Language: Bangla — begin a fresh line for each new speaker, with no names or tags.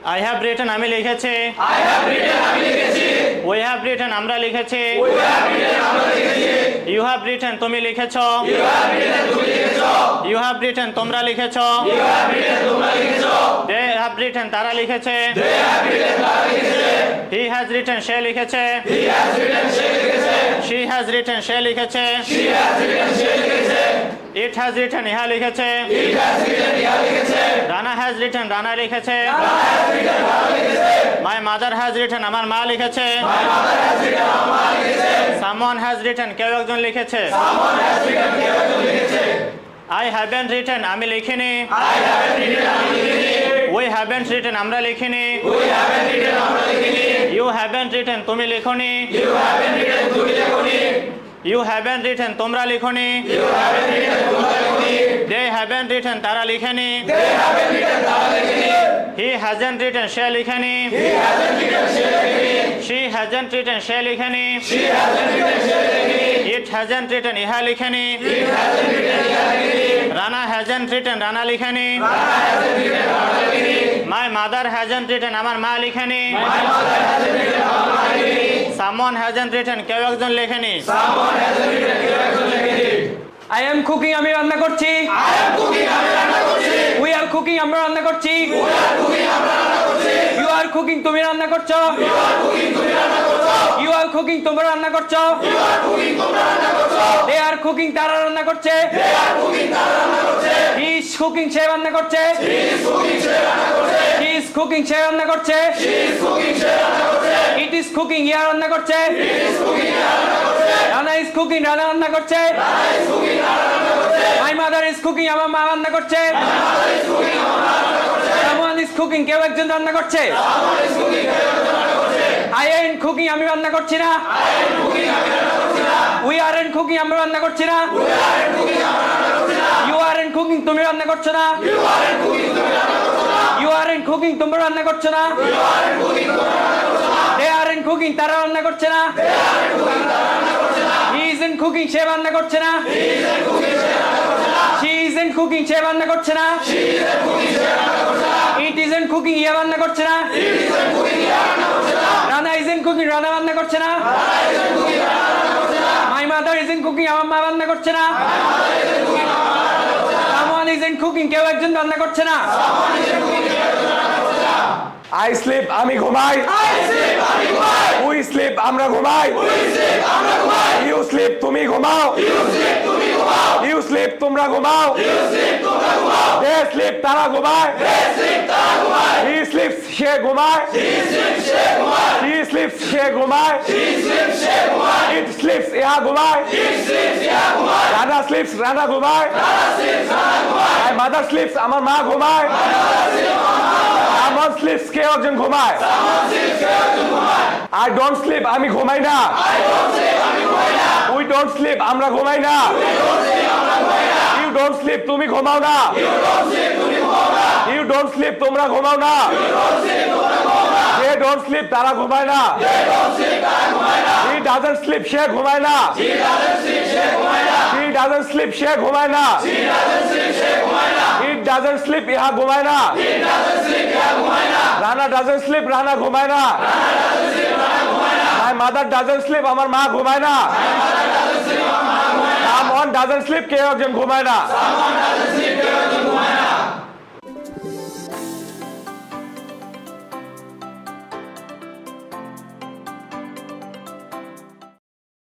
I have written আমি লিখেছি। We have written আমরা লিখেছি। You have written তুমি লিখেছো। You have written তোমরা লিখেছো। They have written তারা লিখেছে। He has written সে লিখেছে। She has written সে লিখেছে। It has written ইহা লিখেছে। রানা has written রানা লিখেছে। My mother has written আমার মা লিখেছে। Someone has written কেউ একজন লিখেছে। I haven't written আমি লিখিনি। We haven't written আমরা লিখিনি। You haven't written তুমি লিখনি। You haven't written তোমরা লিখনি। They haven't written তারা লিখেনি। He hasn't written say লিখেনি। She hasn't written say লিখেনি। It hasn't written ইহা লিখেনি। Rana hasn't written Rana লিখেনি। My mother hasn't written আমার মা লিখেনি। Someone hasn't written কেউ একজন লেখেনি।
I am cooking আমি রান্না করছি। We are cooking আমরা রান্না করছি। You are cooking তুমি রান্না করছো। You are cooking তোমরা রান্না করছো। They are cooking তারা রান্না করছে। He is cooking সে রান্না করছে। He is cooking সে রান্না করছে। It is cooking ইয়া রান্না করছে। রানা is cooking রানা রান্না করছে। My mother is cooking আমার মা রান্না করছে। Someone is cooking কেউ একজন রান্না করছে। I ain't cooking আমি রান্না করছি না। We aren't cooking আমরা রান্না করছি না। You aren't cooking তুমি রান্না করছো না। You aren't cooking তোমরা রান্না করছো না। They aren't cooking তারা রান্না করছে না। He isn't cooking সে রান্না করছে না। She isn't cooking সে রান্না করছে না। It isn't cooking ইয়া রান্না করছে না। রানা isn't cooking রানা রান্না করছে না। My mother isn't cooking আমার মা রান্না করছে না। Someone isn't cooking কেউ একজন রান্না করছে না।
I sleep আমি ঘুমাই। We sleep আমরা ঘুমাই। You sleep তুমি ঘুমাও। You sleep তোমরা ঘুমাও। They sleep তারা ঘুমায়। He sleeps সে ঘুমায়। She sleeps সে ঘুমায়। It sleeps ইহা ঘুমায়। রানা sleeps রানা ঘুমায়। My mother sleeps আমার মা ঘুমায়। Someone sleeps কেউ একজন ঘুমায়। I don't sleep আমি ঘুমাই না। We don't sleep আমরা ঘুমাই না। You don't sleep তুমি ঘুমাও না। You don't sleep তোমরা ঘুমাও না। They don't sleep তারা ঘুমায় না। He doesn't sleep সে ঘুমায় না। He doesn't sleep সে ঘুমায় না। He doesn't sleep ইহা ঘুমায় না। রানা doesn't sleep রানা ঘুমায় না। My mother doesn't sleep আমার মা ঘুমায় না। Someone doesn't sleep কেউ একজন ঘুমায় না।